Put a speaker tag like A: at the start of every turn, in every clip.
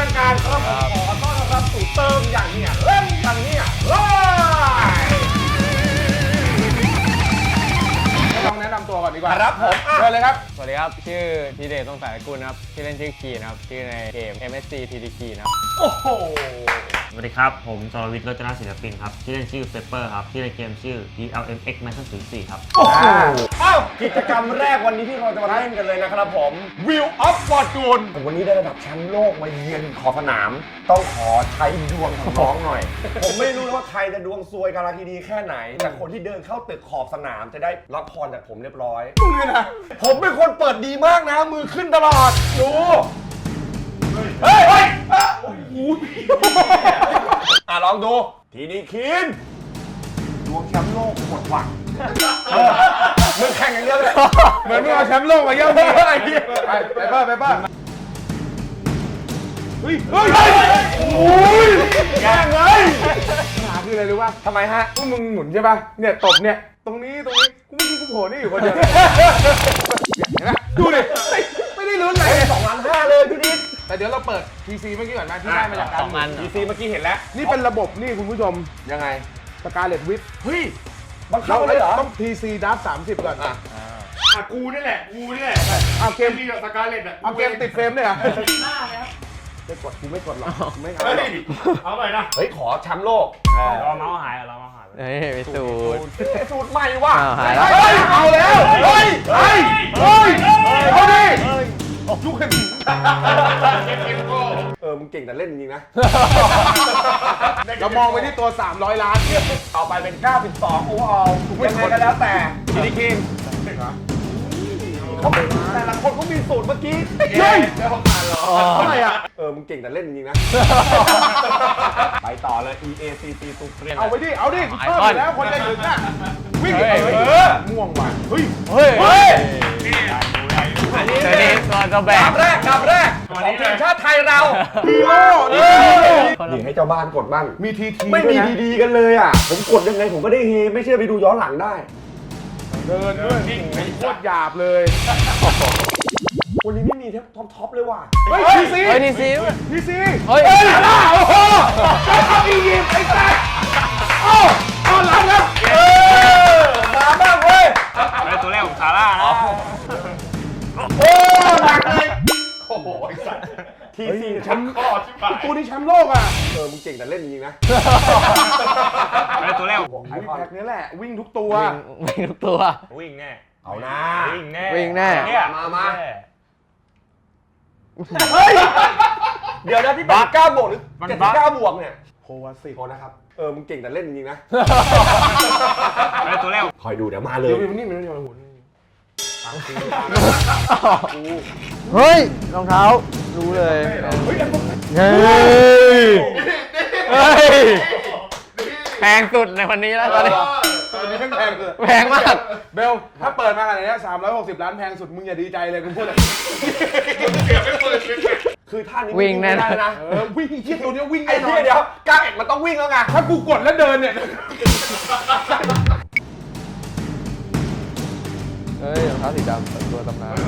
A: างการครับขอต้อนรับสู่เติมอย่างเนี้ยเล่นอย่างเนี้ยลองแนะนำตัวก่อนดีกว่าครับผมเชิญเลยครับ
B: สวัสดีครับชื่อทีเดชต้องสายกุลนะครับชื่อเล่นชื่อคีนะครับชื่อในเกม MSC TDK นะครับ
A: โอ้โห
C: สวัสดีครับผมสรวิทย์รจนาศิลปินครับชื่อเล่นชื่อเปเปอร์ครับชื่อในเกมชื่อ DLMX Master 04ครับ
A: โอ้โหกิจกรรมแรกวันนี้ที่เราจะมาเล่นกันเลยนะครับผม Wheel of Fortune วันนี้ได้ระดับแชมป์โลกมาเยือนขอบสนามต้องขอใช้ดวงของน้องหน่อยผมไม่รู้ว่าใครจะดวงซวยกาลทีดีแค่ไหนแต่คนที่เดินเข้าตึกขอบสนามจะได้รับพรจากผมเรียบร้อยมึงเลยนะผมเป็นคนเปิดดีมากนะมือขึ้นตลอดดูเฮ้ยลองดูทีนี้คินดวงแชมป์โลกหมดหวังมึงแข่งอย่างเดียวเลยเหมือนมึงเอาแชมป์โลกมาเยี่ยมพี่ไปเฮ้ยโอ้ยแย่งเลยปัญหาคืออะไรรู้ป่ะทำไมฮะพวกมึงหมุนใช่ป่ะเนี่ยตบเนี่ยตรงนี้กูไม่คิดกูโผล่นี่อยู่คนเดียวเห็นไหมดูดิไม่ได้ลุ้นเลย2,500,000เลยพี่นิดแต่เดี๋ยวเราเปิด PC เมื่อกี้ก่อนนะที่ได้มาจากการ PC เมื่อกี้เห็นแล้วนี่เป็นระบบนี่คุณผู้ชมยังไงสกาเลตวิทเฮ้ยบังคับเลยเหรอต้อง PC ดับ30ก่อน
D: กูนี่แหละ
A: เอาเกม
D: ที่กับสกาเลต
A: เอาเกมติดเฟรมด้วยเหรอ
D: หน้าแล้ว
A: ไม่กดกูไม่กดหรอกไม่
D: เอาไปนะ
A: เฮ้ยขอแชมป์โลก
C: รอเมาส์หาย
B: เฮ้ยไปสูตร
A: ใหม่ว่ะ
B: เอาแล้ว
A: เฮ้ยเอาดิยุคเข็มมึงเก่งแต่เล่นจริงนะเรามองไปที่ตัว300 ล้านต่อไปเป็น92โอเวอร์ออลยังไงก็แล้วแต่ทีนี้คิงเขาเป็นแต่ละคนเขามีสูตรเมื่อกี้เฮ้ยเท่าไหร่อ่ะมึงเก่งแต่เล่นจริงนะไปต่อเลย EACC ตุกเรียนเอาไปดิเอาดิเพิ่มแล้วคนจะถึงอ่ะวิ่งม่วงว่ะเฮ้ย
B: อันนี้ตัวแบก
A: กับแรกของทีมชาติไทยเราฮีโร่นี่ให้เจ้าบ้านกดบ้างมีทีไม่มีดีๆกันเลยอ่ะผมกดยังไงผมก็ได้เฮไม่เชื่อไปดูย้อนหลังได้เดินด้วยโคตรหยาบเลยวันนี้ไม่มีท็อปเลยว่ะเฮ้ยทีซีเฮ้ยโอ้โหเอาอียิปต์ไอ้แซ่เอาหลังแล้วมาบ้างเว้ย
C: ตัวแรกของซาร่านะ
A: โอ้หนักเลยโอ้โหไอ้สัสทีซีแชมป์ตัวนี้แชมป์โลกอ่ะมึงเก่งแต่เล่นจริงนะ
C: ตัวแรก
A: ไอ้แพ็กนี้แหละวิ่งทุกตัว
C: วิ่งแน่
A: เอาหน้า
B: วิ่งแน่
A: มาเฮ้ยเดี๋ยวนะที่เป็น9 บวกหรือ79 บวกเนี่ยโควาสิโคนะครับมึงเก่งแต่เล่นจริงนะ
C: ตัวแรก
A: คอยดูเดี๋ยวมาเลยนี่มันหุ่น
B: เฮ้ยรองเท้ารู้เลยแพงสุดในวันนี้แล้วตอนนี้แพงมาก
A: เบลถ้าเปิดมาขนาดนี้360 ล้านแพงสุดมึงอย่าดีใจเลยกูพูดเลย
D: เสียไม่เปิด
A: คือท่านี้
B: วิ่งแน่
A: นะวิ่งที่ตัวนี้วิ่งไอ้ที่เดี๋ยว91มันต้องวิ่งแล้วไงถ้ากูกดแล้วเดินเนี่ย
B: เฮ้ยรองเท้าสีดำตัวตำนาน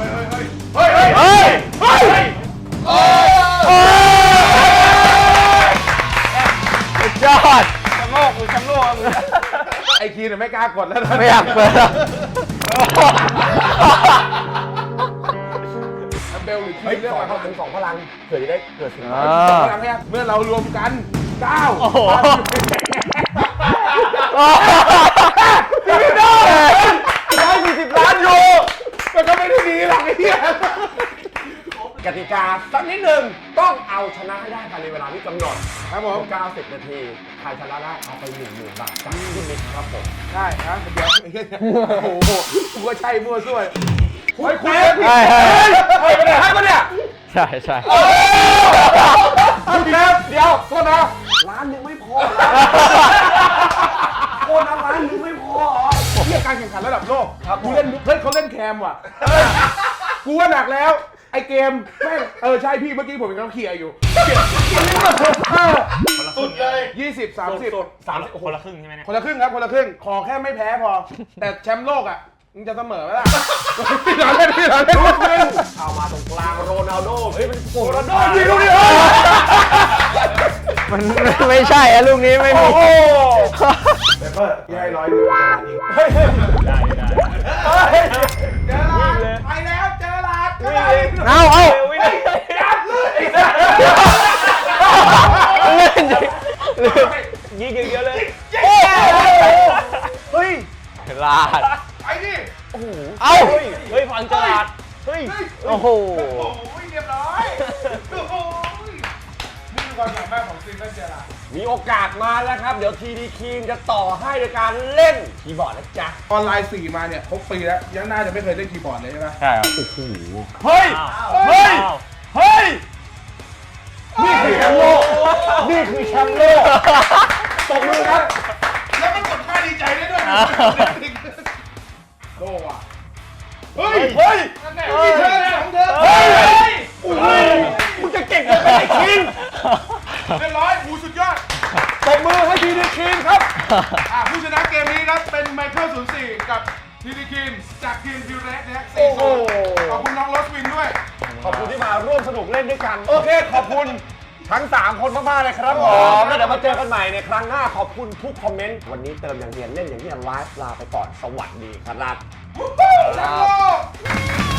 B: ยอด
A: แชมป์โลกไอคีเนี่ยไม่กล้ากดแล้วนะ
B: ไม่อยากเปิด
A: เบลหรือคีเรื่องอะไรเขาเป็น2 พลังเผื่อจะได้เกิดสิ่งที่พลังเนี่ยเมื่อเรารวมกัน9โอ้โหพี่น้อง140 ล้านยูมันก็ไม่ได้ดีหรอกไอ้เหี้ยกติกาสักนิดหนึ่งต้องเอาชนะให้ได้ภายในเวลาที่กำหนดครับผม90 นาทีใครชนะได้เอาไป10,000 บาทจากพี่นิดครับผมได้นะเดี๋ยวโอ้โหกูก็ใช่มั่วซั่วคุยไปไหนให้มาเนี่ย
B: ใช่
A: เดี๋ยวโทษนะล้านนึงไม่พอโคนล้านนึงไม่พอเรื่องการแข่งขันระดับโลกกูเล่นเขาเล่นแคมว่ะกูว่าหนักแล้วไอเกมแม่งใช่พี่เมื่อกี้ผมยังเคลียร์อยู่
D: สุดเลย
C: 20-30คนละครึ่งใช่ไหมเนี่ย
A: คนละครึ่งครับคนละครึ่งขอแค่ไม่แพ้พอแต่แชมป์โลกอ่ะมึงจะเสมอไหมล่ะพี่หลานเล่นเอามาตรงกลางโรนัลโดเฮ้ยเป็นโรนัลโดยิงลูกนี้
B: มันไม่ใช่อะลูกนี้ไม่มี
A: เปเปอร์พี่ให้100หนึ่ง
D: ได้
A: เจอหลาดไปแล้วเจอหลาด
B: เอา
A: จับเลย
B: เล่นยิงเยอะเลยเฮ้ยลาด
A: ไปดิ
B: เอาเฮ้ยพังจลาดเฮ้ยโอ้โห
A: โอ้ยเรียบร้อยโอ้ยนี่คือความสามารถของซีซั่นเจอหลาด
E: มีโอกาสมาแล้วครับ เดี๋ยวทีดีคีมจะต่อให้โดยการเล่นคีย์บอร์ดนะจ๊ะ
A: ออนไลน์4มาเนี่ยครบปีแล้วยังน่าจะไม่เคยเล่นคีย์บอร์ดเลยใช่ไหม
B: ใช่ครับ
A: เฮ้ยเฮ้ยเฮ้ย
E: นี่คือแชมป์โลก นี่คือแชมป์โลกตบมือครับ
A: แล้วมันกดท่าดีใจได้ด้วยโลว่ะเฮ้ยเฮ้ยนั่นแหละมีเธอ2เธอเฮ้ย
E: มึงจะเก่งกันไปไหนคิง
A: เรียบร้อยหูสุดยอด
E: ตบมือให้ทีดีคีมครับ
A: ผู้ชนะเกมนี้ครับเป็นไมเคิล04กับทีดีคินจากทีมฟิวเรสนะฮะ
E: โอ้โห
A: ขอบคุณน้องโรสวินด้วย
E: ขอบคุณที่มาร่วมสนุกเล่นด้วยกัน โอเค ขอบคุณทั้ง 3 คนมากๆเลยครับผมแล้วเดี๋ยวมาเจอกันใหม่ในครั้งหน้าขอบคุณทุกคอมเมนต์ วันนี้เติมอย่างเรียนเล่นอย่างที่ไลฟ์ลาไปก่อน สวัสดีครับ
A: แล้วโลก